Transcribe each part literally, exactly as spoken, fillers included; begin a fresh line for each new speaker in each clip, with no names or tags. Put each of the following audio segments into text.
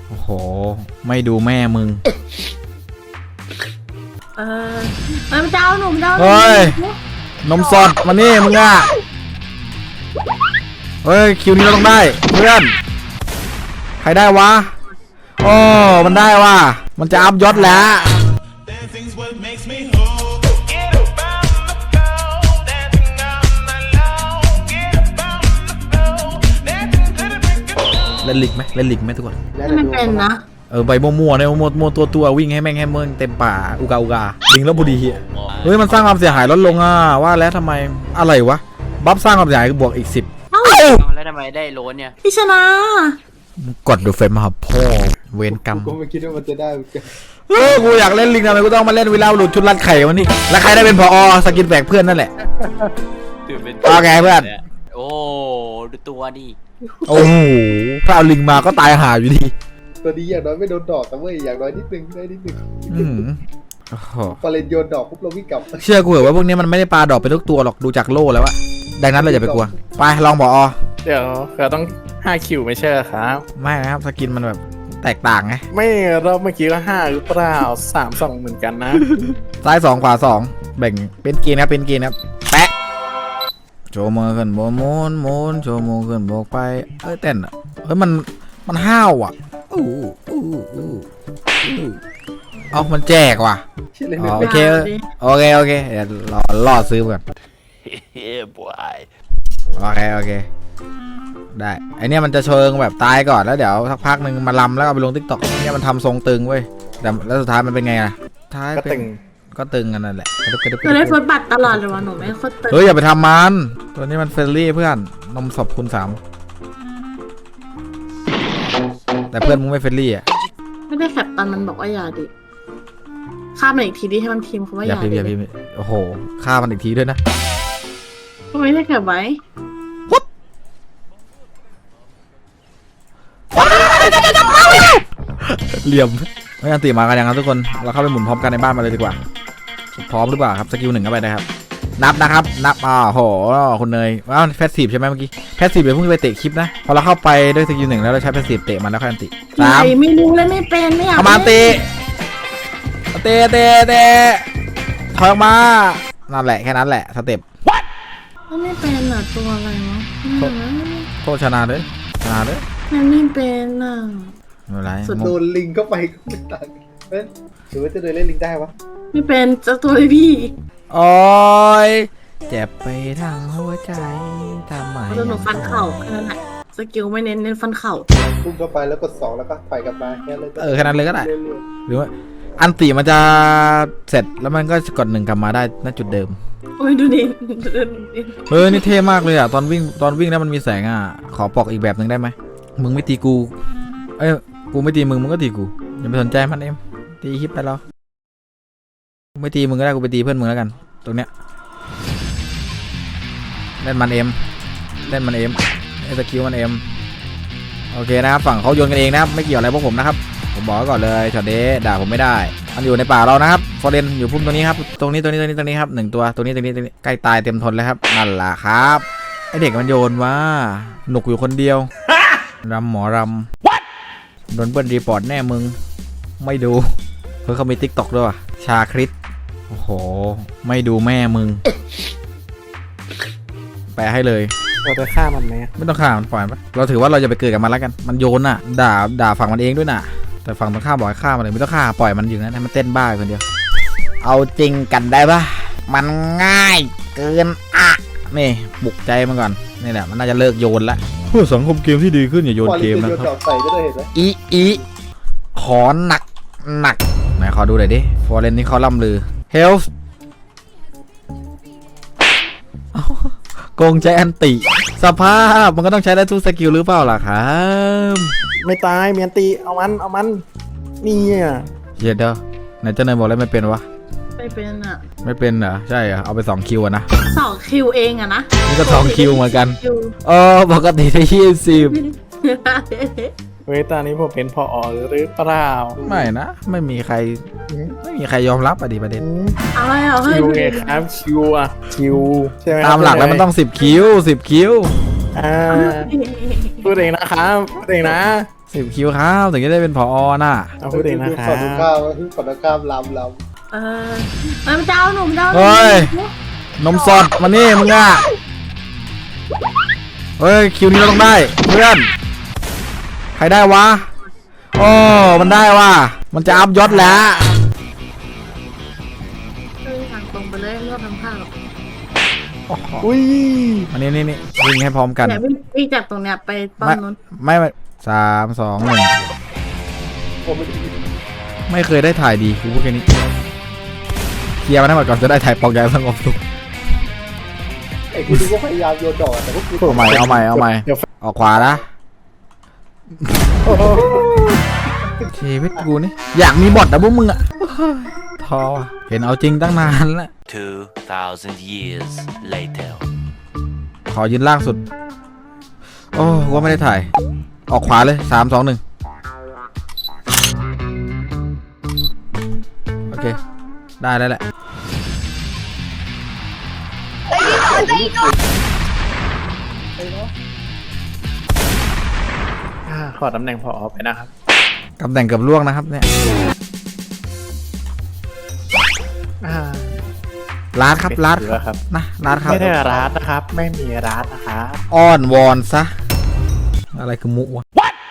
โอ้โหไม่ดูแม่มึง
เออมันจะเอาหนุ่มจะเอา
เฮ้ยนมสดมานี่มึงอ่ะเฮ้ยคิวนี้เราต้องได้เพื่อนใครได้วะโอ้มันได้ว่ะมันจะอัพยศแล้วเล่นลิกไหมเล่นลิกไหมทุกคน
ไม่เป็นนะ
เออใบมั่วๆเนี่ยมั่วๆตัวตัววิ่งให้แม่งให้เมืองเต็มป่าอุกาอุกาลิงแล้วบุรีเฮ้ยมันสร้างความเสียหายลดลงอ่ะว่าแล้วทำไมอะไรวะบัฟสร้างความเสียหายบวกอีกสิบ
แล้วทำไมได้โลนเนี่ย
พี่ชนะ
กดดูเฟรมมาครับพ่อเวรกรรม
กูไม่คิดว่ามันจะได้
เออกูอยากเล่นลิงทำไมกูต้องมาเล่นวิลาหลุดชุดรัดไข่วันนี้แล้วใครได้เป็นผอสกินแบกเพื่อนนั่นแหละโอเคเพื่อน
โอ้ดูตัวดิ
โอ้โหถ้าเอาลิงมาก็ตายหาอยู่ดี
ตัวนี้อย่างน้อยไม่โดนดอกแต่เว้ยอย่างน้อยนิดนึงได้นิดนึงพอเล่นโยนดอกปุ๊บเราวิ่งกลับ
เชื่อกูเหรอว่าพวกนี้มันไม่ได้ปลาดอกเป็นทุกตัวหรอกดูจากโล่แล้วอะดังนั้นเราอย่าไปกลัวไปลองผอ
เดี๋ยวเราต้องห้าคิวไม่ใช่ครับ
ไม่นะครับสกินมันแบบแตกต่างไง
ไม่รอบเมื่อกี้ก็ห้าหรือเปล่าสามสองเหมือนกันนะ
ซ้ายสองขวาสองแบ่งเป็นกีนะครับเป็นกีนะครับแปะโชว์มือขึ้นโบกโมนโมนโชว์มือขึ้นโบกไปเอ้ยเต้นอ่ะเฮ้ยมันมันห้าวอ่ะอู้อู้อู้เอามันแจกว่ะโอเคโอเคโอเคเดี๋ยวรอรอซื้อก่อนเฮ้ยบอยโอเคโอเคได้ไอเนี้ยมันจะเชิงแบบตายก่อนแล้วเดี๋ยวสักพักหนึ่งมาลำแล้วเอาไปลงทิกตอกเนี่ยมันทำทรงตึงเว้ยแต่แล้วสุดท้ายมันเป็นไงล่ะท้ายเป็นก็ตึงกันนั่นแหละ
หนูได้ฟุตบัตรตลอดเลยวะหนูไม่โคตรตึง
เฮ้ยอย่าไปทำมันตัวนี้มันเฟรนลี่เพื่อนนมสดคูณสามแต่เพื่อนมึงไม่เฟรนลี่อ่ะ
ไม่ได้แคปตอนมันบอกว่าอย่าดิฆ่ามันอีกทีดิให้มันพิมพ์คำว่าอย่
าดิอย่าพิมพ์โอ้โหฆ่ามันอีกทีด้วยนะ
ก็ไม่ได้แคปไว้
เหลี่ยมไม่ยันตีมากันยังครับทุกคนเราเข้าไปหมุนพร้อมกันในบ้านมาเลยดีกว่าพร้อมหรือเปล่าครับสกิลหนึ่งเข้าไปนะครับนับนะครับนับอ่าโหคุณเนยว้าวแฟสซีฟใช่ไหมเมื่อกี้แฟสซีฟเดี๋ยวเพิ่งไปเตะคลิปนะพอเราเข้าไปด้วยสกิลหนึ่งแล้วเราใช้แฟสซีฟเตะมันแล้วค่อยอันติ
สามไม่รู้เลยไม่เป็นไม่อยาก
เอามาเตะเตะเตะเตะถอยออกมานั่นแหละแค่นั้นแหละสเต็ป
ไม่เป็นอ่ะตัวอะไรวะ
โคชนะเลยชนะเลย
มันไม่เป็นอ่ะ
อะไร
โดนลิงเข้าไปก็ไม่ต่างเฮ้ยหรือว่าจะเดินเล่นลิงได้วะ
ไม่เป็นจะตัวเลยพี่
โอ้ยเจ็บไปทางหัวใจทำไม
โดนหนูฟันเข่าแค่นั้นแหละสกิลไม่เน้นเน้นฟันเข่า
พุ่งเข้าไปแล้วกดสองแล้วก็ถอยกลับมาแค่เลย
เออแค่นั้นเลยก็ได้หรือว่าอันตีมันจะเสร็จแล้วมันก็กดหนึ่งกลับมาได้ณจุดเดิม
โอ้ยดูดิ
เฮ้ยนี่เท่มากเลยอ่ะตอนวิ่งตอนวิ่งแล้วมันมีแสงอ่ะขอปอกอีกแบบหนึ่งได้ไหมมึงไม่ตีกูเอ้ยกูไม่ตีมึงมึงก็ตีกูอย่าไปสนใจมันเอ็มตีคลิปไปแล้วกูไม่ตีมึงก็ได้กูไปตีเพื่อนมึงแล้วกันตรงเนี้ยเล่นมันเอ็มเล่นมันเอ็มไอ้สกิลมันเอ็มโอเคนะครับฝั่งเขาโยนกันเองนะครับไม่เกี่ยวอะไรพวกผมนะครับผมบอกก่อนเลยช็อตเดย์ด่าผมไม่ได้มันอยู่ในป่าเรานะครับฟอร์เรนอยู่พุ่มตรงนี้ครับตรงนี้ตรงนี้ตรงนี้ตรงนี้ครับหนึ่งตัวตรงนี้ตรงนี้ตรงนี้ใกล้ตายเต็มทนแล้วครับนั่นแหละครับไอเด็กมันโยนว่าหนุกอยู่คนเดียวรำหมอรำโดนเบิ้ลรีพอร์ตแน่มึงไม่ดูเพื่อเขามีติ๊กต็อกด้วยชาคริสโอ้โหไม่ดูแม่มึงแปลให้เลย
เราจะฆ่ามันไหม
ไม่ต้องฆ่ามันปล่อยมันเราถือว่าเราจะไปเกิดกับมันแล้วกันมันโยนน่ะด่าด่าฝั่งมันเองด้วยน่ะแต่ฝั่งตรงข้ามบอกให้ฆ่ามันเลยไม่ต้องฆ่าปล่อยมันอยู่นั้นให้มันเต้นบ้าคนเดียวเอาจริงกันได้ปะมันง่ายเกินอ่ะนี่ปลุกใจมันก่อนนี่แหละมันน่าจะเลิกโยนละเพื่อสังคมเกมที่ดีขึ้นอย่าโยนเกมนะครับอีอีขอหนักหนักไหนขอดูหน่อยดิฟอร์เรนนี่เขาล่ำลือเฮลส์โกงใจอันติสภาพมันก็ต้องใช้ได้ทุกสกิลหรือเปล่าล่ะครับ
ไม่ตายเมียนตีเอามันเอามันนี่อ่ะ
เย็ดเด้อไหนเจ้านายบอกแล้วไม่เป็นวะ
ไม่เป็นอ่ะ
ไม่เป็นเหรอใช่เหรอเอาไปสองคิวอะนะ
สองคิวเองอะนะ
นี่ก็สองคิวเหมือนกันเออปกติได้ยี่สิบ
เว้ยตอนนี้ผมเป็นพอหรือเปล่า
ไม่นะไม่มีใครไม่มีใครยอมรับอะดิประเด็น
อะไรอ่ะ
คิวไงครับคิวอะคิวใช่ไหม
ตามหลักแล้วมันต้องสิบคิวสิบคิว
อ่าพูดเองนะครับพูดเองนะ
สิบคิวครับถึงจะได้เป็นผอน่ะ
เอาพูดเองนะครั
ขอดู
บ
ข้าวขอดูข้าวลำล
เออเออมันจะเอาหนุ่มจะเอาหนุ่
เฮ้ย
ม
นมสดมานี่มึงอ่ะเฮ้ยคิวนี้เราต้องได้เพื่อนใครได้วะโอ้มันได้ว่ะมันจะอัพยศแล้ว
เออทางตรงไปเลยไม่ต้องทำข้าวหรอก
อุ้ย
อันนี้นี่นี่วิ่งให้พร้อมกัน
เนี่ยวิ่งวิ่งจากตรงเนี้ยไปป้อม
ไม่
นู้น
ไม่ไม่สามสองหนึ่ง
ำผมไม่ได้
ไม่เคยได้ถ่ายดีกูพูดแค่นี้เคลียร์มันให้หมดก่อนจะได้ถ่ายปอกยายสงบสุข
ไอ้กูดูก็พยายามโยนดอกแต่พวกกู
เอาใหม่เอาใหม่เอาใหม่
เดี๋ยว
ออกขวานะ
โอ้โห
ชีวิตกูนี่อยากมีบอทนะพวกมึงอะท้อว่ะเห็นเอาจริงตั้งนานแล้ว
Two thousand years later.
ขอยืนล่างสุด โอ้กูว่าไม่ได้ถ่าย ออกขวาเลยสามสองหนึ่งโอเค ได้แล้วแหละ
อ่าขอตำแหน่งพอไปนะครับ
ตำแหน่งเกับล่วงนะครับเนี่ย
อ่า
ลาดครับลาด
ไม่ถือครับ
นะลาดครับ
ไม่ได้ร้านนะครับ ไม่มีร้านนะครับ
อ้อนวอนซะ อะไรคือมุวะ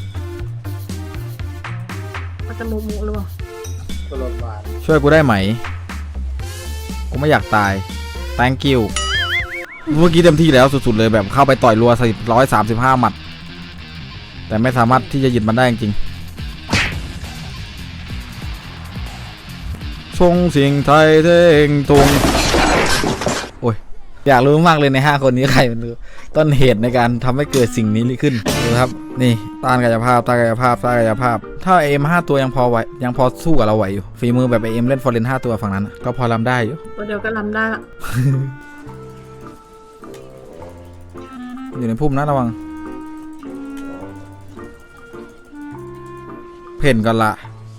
มันจะมุมุหรือเปล่า
ตลอดมา
ช่วยกูได้ไหม กูไม่อยากตาย thank you เมื่อกี้เต็มที่แล้วสุดๆเลยแบบเข้าไปต่อยรัวสิบร้อยสามสิบห้าหมัด แต่ไม่สามารถที่จะหยุดมันได้จริงๆชงเสียงไทยเท่งตรงโอ้ย อยากรู้มากเลยในห้าคนนี้ใครเป็นต้นเหตุในการทำให้เกิดสิ่งนี้ขึ้นดูครับ นี่ต้านกายภาพต้านกายภาพต้านกายภาพ ถ้าเอ็มห้าตัวยังพอไหวยังพอสู้กับเราไหวอยู่ฝีมือแบบเอ็มเล่นฟอร์เรนห้าตัวฝั่งนั้นน่ะก็พอรำได้อยู่
ตัวเดียวก็รำได้ละ
อยู่ในพุ่มนะระวังเพ่นกันละ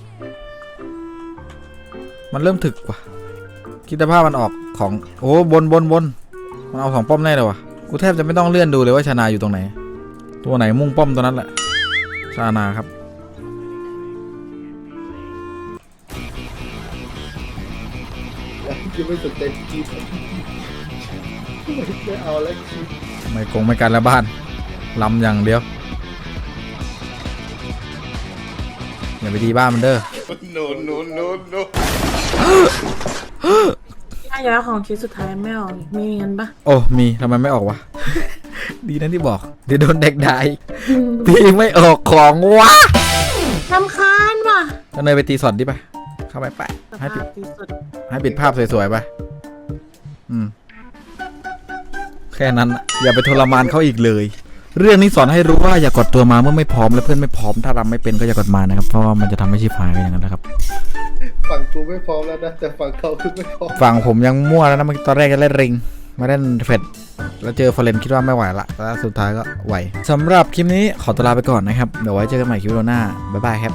มันเริ่มถึกว่ะคิดภาพมันออกของโอ้บนบนบนมันเอาสองป้อมแน่เลยว่ะกูแทบจะไม่ต้องเลื่อนดูเลยว่าชนาอยู่ตรงไหน ตัวไหนมุ่งป้อมตัวนั้นแหละชานาครับ
ยังไม่สนใจจีบไม่เอาแล้วจีบ
ไม่คงไม่กันละบ้านลำอย่างเดียวอย่าไปดีบ้านมันเด้อ
ถ้าย้ายของชิ้นสุดท้ายไม่ออกมีเงินปะ
โอ้มีทำไมไม่ออกวะ ดีนะที่บอกเดี๋ยวโดนเด็กได้พี่ไม่ออกของวะ
รำคาญว่ะ
จะเนยไปตีสอดดิไปเข้าไปไป
ส
ให้ปิ
ภา
ด
พที่สุด
ให้ปิดภาพสวยๆไปอืมแค่นั้นน่ะอย่าไปทรมานเขาอีกเลย เรื่องนี้สอนให้รู้ว่าอย่ากดตัวมาเมื่อไม่พร้อมและเพื่อนไม่พร้อมถ้ารำไม่เป็นก็อย่ากดมานะครับเพราะว่ามันจะทำให้ชิบหายไปอย่างนั้นนะครับ
ฝั่งกูไม่พร้อมแล้วนะแต่ฝั่งเขาคือไม่พร้อม
ฝั่งผมยังมั่วแล้วนะเมื่อกี้ตอนแรกจะเล่นริงมาเล่นเฟดแล้วเจอฟอร์เรนคิดว่าไม่ไหวละแล้วสุดท้ายก็ไหวสำหรับคลิปนี้ขอตัวลาไปก่อนนะครับเดี๋ยวไว้เจอกันใหม่คลิปวิดีโอหน้าบ๊ายบายครับ